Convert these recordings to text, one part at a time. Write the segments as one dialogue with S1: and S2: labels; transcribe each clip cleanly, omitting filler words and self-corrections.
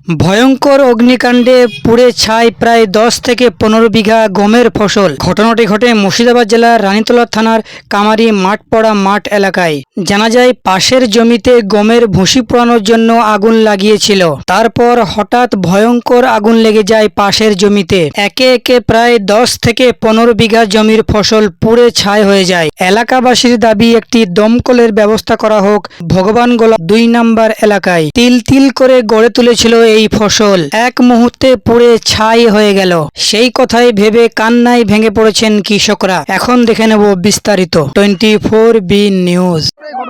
S1: ভয়ঙ্কর অগ্নিকাণ্ডে পুড়ে ছাই প্রায় 10 থেকে 15 বিঘা গমের ফসল। ঘটনাটি ঘটে মুর্শিদাবাদ জেলার রানীতলা থানার কামারি মাঠপাড়া মাঠ এলাকায়। জানা যায় পাশের জমিতে গমের ভুসি পোড়ানোর জন্য আগুন লাগিয়েছিল। তারপর হঠাৎ ভয়ঙ্কর আগুন লেগে যায় পাশের জমিতে। একে একে প্রায় 10 থেকে 15 বিঘা জমির ফসল পুড়ে ছাই হয়ে যায়। এলাকাবাসীর দাবি একটি দমকলের ব্যবস্থা করা হোক। ভগবানগোলা 2 নম্বর এলাকায় তিল তিল করে গড়ে তুলেছিল এই ফসল, এক মুহূর্তে পুড়ে ছাই হয়ে গেল। সেই কথাই ভেবে কান্নায় ভেঙে পড়েছেন কৃষকরা। এখন দেখে নেব বিস্তারিত। 24B news.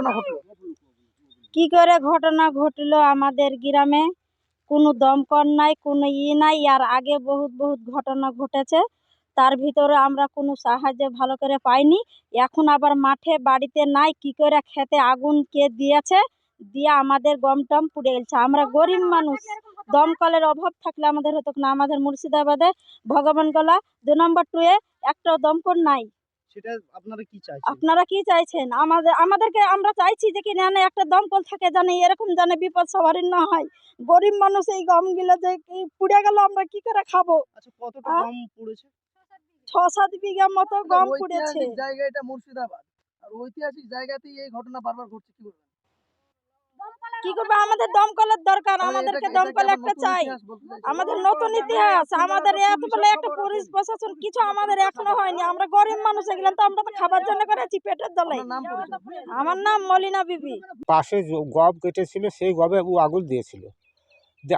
S2: কি করে ঘটনা ঘটলো আমাদের গ্রামে? কোনো দমকল নাই, কোনো নাই। আর আগে বহুত ঘটনা ঘটেছে, তার ভিতরে আমরা কোনো সাহায্য ভালো করে পাইনি। এখন আবার মাঠে বাড়িতে নাই, কি করে খেতে আগুন কে দিয়েছে, দিয়ে আমাদের গম টম পুড়ে গেছে। আমরা গরিব মানুষ, দমকলের অভাব থাকলে আমাদের হতো না। আমাদের মুর্শিদাবাদে ভগবানগোলা 2 নম্বর 2-এ একটাও দমকল নাই।
S3: সেটা আপনারা কি চাইছেন?
S2: আপনারা কি চাইছেন? আমাদেরকে আমরা চাইছি যে কি জানে একটা দমকল থাকে, জানে এরকম জানে বিপদ সবারই না হয়। গরিব মানুষ এই গমগুলো যে পুড়ে গেল, আমরা কি করে খাবো?
S3: আচ্ছা, কতটা গম পুড়েছে?
S2: 6-7 বিঘা মতো গম পুড়েছে।
S3: ঐতিহাসিক জায়গা এটা মুর্শিদাবাদ, আর ঐতিহাসিক জায়গাতেই এই ঘটনা বারবার ঘটছে, কি বলবেন?
S2: কি করবো? আমাদের দমকলের দরকার, আমাদেরকে দমকল একটা চাই। আমাদের নতুন ইতিহাস, আমাদের এত বলে একটা পুলিশ প্রশাসন কিছু আমাদের এখনো হয়নি। আমরা গরিব মানুষ, এগুলো তো আমরা তো খাবার জন্য করেছি, পেটের জ্বালাই। আমার নাম মলিনা বিবি।
S4: পাশে গম কেটেছিল, সেই গমে ও আগুন দিয়েছিল। যে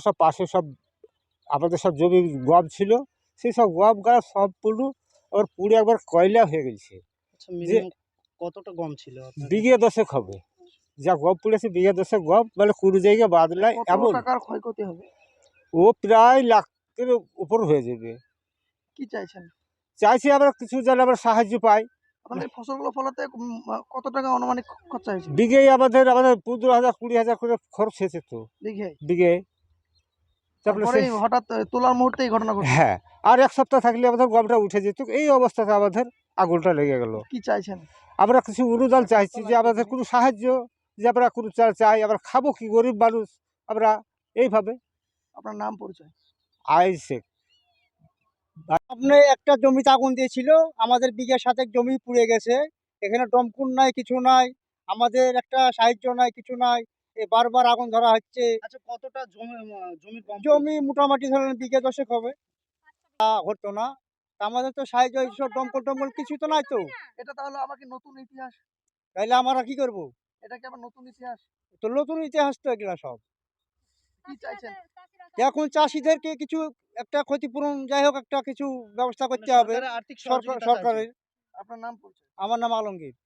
S4: আমাদের সব জমি গম ছিল, সেই সব গম গাছ সব আবার পুড়ে একবার কয়লা হয়ে গেছে।
S3: আচ্ছা, মিনিমাম কতটা গম ছিল আপনাদের?
S4: বিঘে 10 হবে, যা গম পুড়েছে বিঘে 10 গম, মানে কোনো জায়গায় বাদ নাই। এমন
S3: টাকার ক্ষয়ক্ষতি হবে?
S4: ও প্রায় লাখের উপর হয়ে যাবে।
S3: কি চাইছেন?
S4: চাইছি আমরা কিছু যেন আমরা সাহায্য পাই।
S3: আপনাদের ফসলগুলো ফলাতে কত টাকা আনুমানিক খরচা হয়েছে?
S4: বিঘেই আমাদের 15,000-20,000 করে খরচ হয়েছে তো বিঘে।
S3: তারপরে হঠাৎ তোলার মুহূর্তে এই ঘটনা ঘটে।
S4: হ্যাঁ, আর 1 সপ্তাহ থাকলে আমাদের গমটা উঠে যেত। এই অবস্থাতে আমাদের আগুনটা লেগে গেল।
S3: কি চাইছেন?
S4: আমরা কিছু অনুদান চাইছি, যে আমাদের কোনো সাহায্য, যে আমরা কোনো চাই। আমরা খাবো কি, গরিব মানুষ আমরা, এইভাবে।
S3: আপনার নাম পরিচয়?
S4: আইসে
S5: আপনি একটা জমিতে আগুন দিয়েছিল, আমাদের বিঘা 7 জমি পুড়ে গেছে। এখানে দমকল নাই, কিছু নাই, আমাদের একটা সাহায্য নাই, কিছু নাই। বারবার আগুন ধরা হচ্ছে।
S3: আচ্ছা, কতটা জমির গম?
S5: জমি মোটামুটি ধরেন বিঘা 10 হবে। তা হতো না, আমাদের তো সাহায্য এইসব দমকল কিছু তো নাই তো।
S3: এটা তাহলে আমাকে নতুন ইতিহাস,
S5: তাইলে আমরা কি করব?
S3: এটা কি আবার নতুন ইতিহাস?
S5: তো নতুন ইতিহাস তো এগুলা সব।
S3: কি চাইছেন?
S5: এখন চাষিদেরকে কিছু একটা ক্ষতিপূরণ, যাই হোক একটা কিছু ব্যবস্থা করতে হবে
S3: আর্থিক সহযোগিতা চাইছেন?
S5: সরকারের।
S3: আপনার নাম পরিচয়?
S5: আমার নাম আলমগীর।